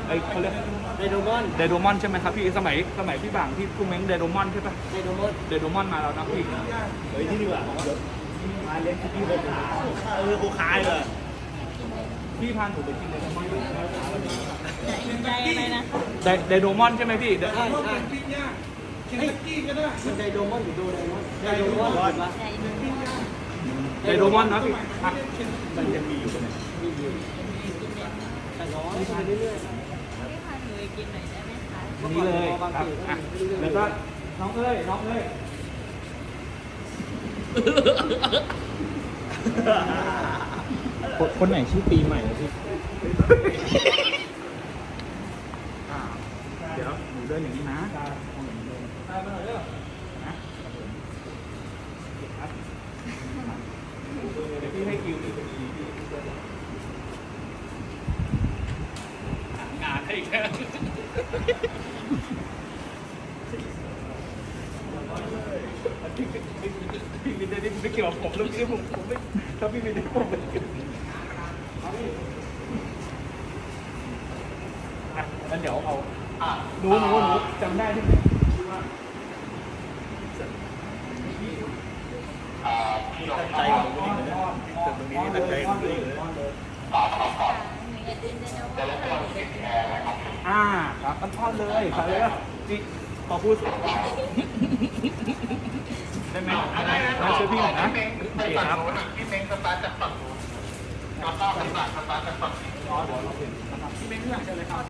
ไอ้เขาเรียกไดโดมอนไดโดมอนใช่ไหมครับพี่สมัยพี่บางที่กูเม้งไดโดมอนใช่ปะไดโดมอนไดโดมอนมาแล้วนะพี่เฮ้ยนี่ดีกว่ามาเลี้ยงที่โคขาโคขาเลยพี่พาหนูไปกินไดโดมอนใจอะไรนะไดโดมอนใช่ไหมพี่ใช่ใช่มันไดโดมอนหรือโดไดมอนไดโดมอนถูกปะใจมันไดโดมอนนะพี่อ่ะมันยังมีอยู่ไหมแต่ร้อนไปเรื่อยพี่พาหนูไปกินหน่อยได้ไหมคะนี่เลยครับอ่ะแล้วก็น้องเอ้ยคนไหนชื่อปีใหม่พี่เดี๋ยวหนูเดินอย่างนี้นะเดี๋ยวพี่ให้คิวอีกทีงานให้แค่พี่วินได้ไม่เกี่ยวกับผมแล้วพี่ผมไม่ถ้าพี่วินได้ผมไม่เกี่ยวงั้นเดี๋ยวเอาหนูจำได้ที่ไหนตั้งใจของตัวเองเลยนะตรงนี้ตั้งใจของตัวเองเลยครับต้นทอดเลยครับเลยนี่พอพูดได้ไหมมาช่วยพี่หน่อยนะโอเคครับพี่เม้งสตาร์ทจากฝั่งนู้นแล้วก็พี่บาทสตาร์ทจากฝั่งนี้อ๋อเดี๋ยวเราเปลี่ยนนะครับพี่เม้งที่หลังเชิญเลยครับ